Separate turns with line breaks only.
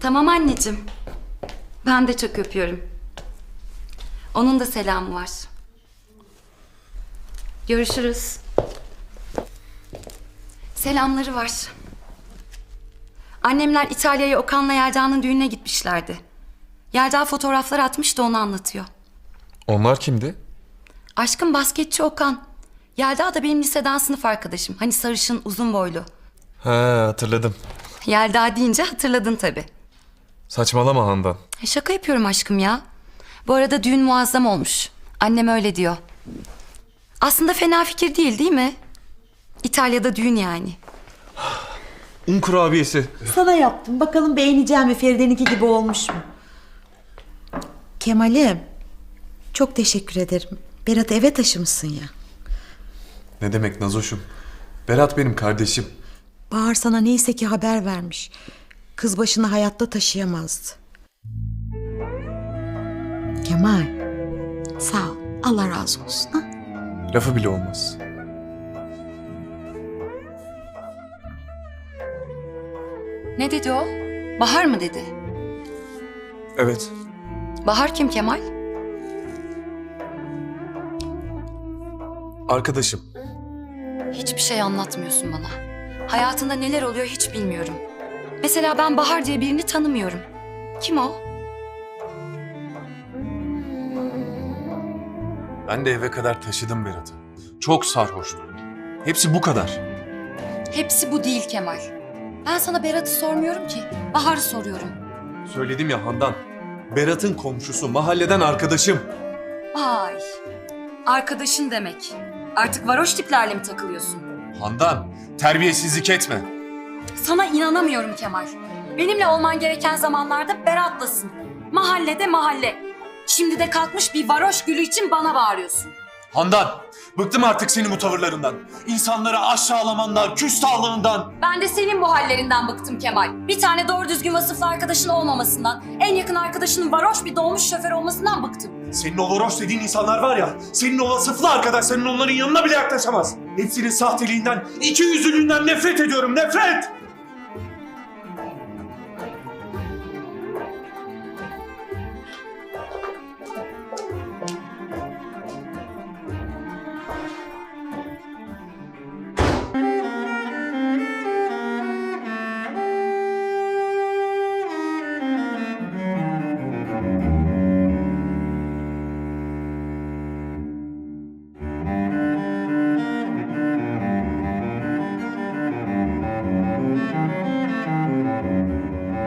Tamam anneciğim. Ben de çok öpüyorum. Onun da selamı var. Görüşürüz. Selamları var. Annemler İtalya'ya Okan'la Yelda'nın düğününe gitmişlerdi. Yelda fotoğraflar atmış da onu anlatıyor.
Onlar kimdi?
Aşkım basketçi Okan. Yelda da benim liseden sınıf arkadaşım. Hani sarışın, uzun boylu.
He, hatırladım.
Yelda deyince hatırladın tabii.
Saçmalama Handan.
Şaka yapıyorum aşkım ya. Bu arada düğün muazzam olmuş. Annem öyle diyor. Aslında fena fikir değil mi? İtalya'da düğün yani.
Un kurabiyesi.
Sana yaptım. Bakalım beğeneceğim mi? Feride'ninki gibi olmuş mu? Kemal'im. Çok teşekkür ederim. Berat'ı eve taşımışsın ya.
Ne demek Nazoş'um? Berat benim kardeşim.
Bahar sana neyse ki haber vermiş. Kız başını hayatta taşıyamazdı. Kemal. Sağ ol. Allah razı olsun. Ha?
Lafı bile olmaz.
Ne dedi o? Bahar mı dedi?
Evet.
Bahar kim Kemal?
Arkadaşım.
Hiçbir şey anlatmıyorsun bana. Hayatında neler oluyor hiç bilmiyorum. Mesela ben Bahar diye birini tanımıyorum. Kim o?
Ben de eve kadar taşıdım Berat'ı. Çok sarhoştu. Hepsi bu kadar.
Hepsi bu değil Kemal. Ben sana Berat'ı sormuyorum ki. Bahar'ı soruyorum.
Söyledim ya Handan. Berat'ın komşusu, mahalleden arkadaşım.
Vay. Arkadaşın demek. Artık varoş tiplerle mi takılıyorsun?
Handan, terbiyesizlik etme.
Sana inanamıyorum Kemal. Benimle olman gereken zamanlarda Berat'lasın. Mahallede mahalle. Şimdi de kalkmış bir varoş gülü için bana bağırıyorsun.
Handan, bıktım artık senin bu tavırlarından. İnsanları aşağılamandan, küstahlığından.
Ben de senin bu hallerinden bıktım Kemal. Bir tane doğru düzgün vasıflı arkadaşın olmamasından, en yakın arkadaşının varoş bir dolmuş şoför olmasından bıktım.
Senin o varoş dediğin insanlar var ya, senin o vasıflı arkadaşların onların yanına bile yaklaşamaz. Hepsinin sahteliğinden, ikiyüzlülüğünden nefret ediyorum, nefret!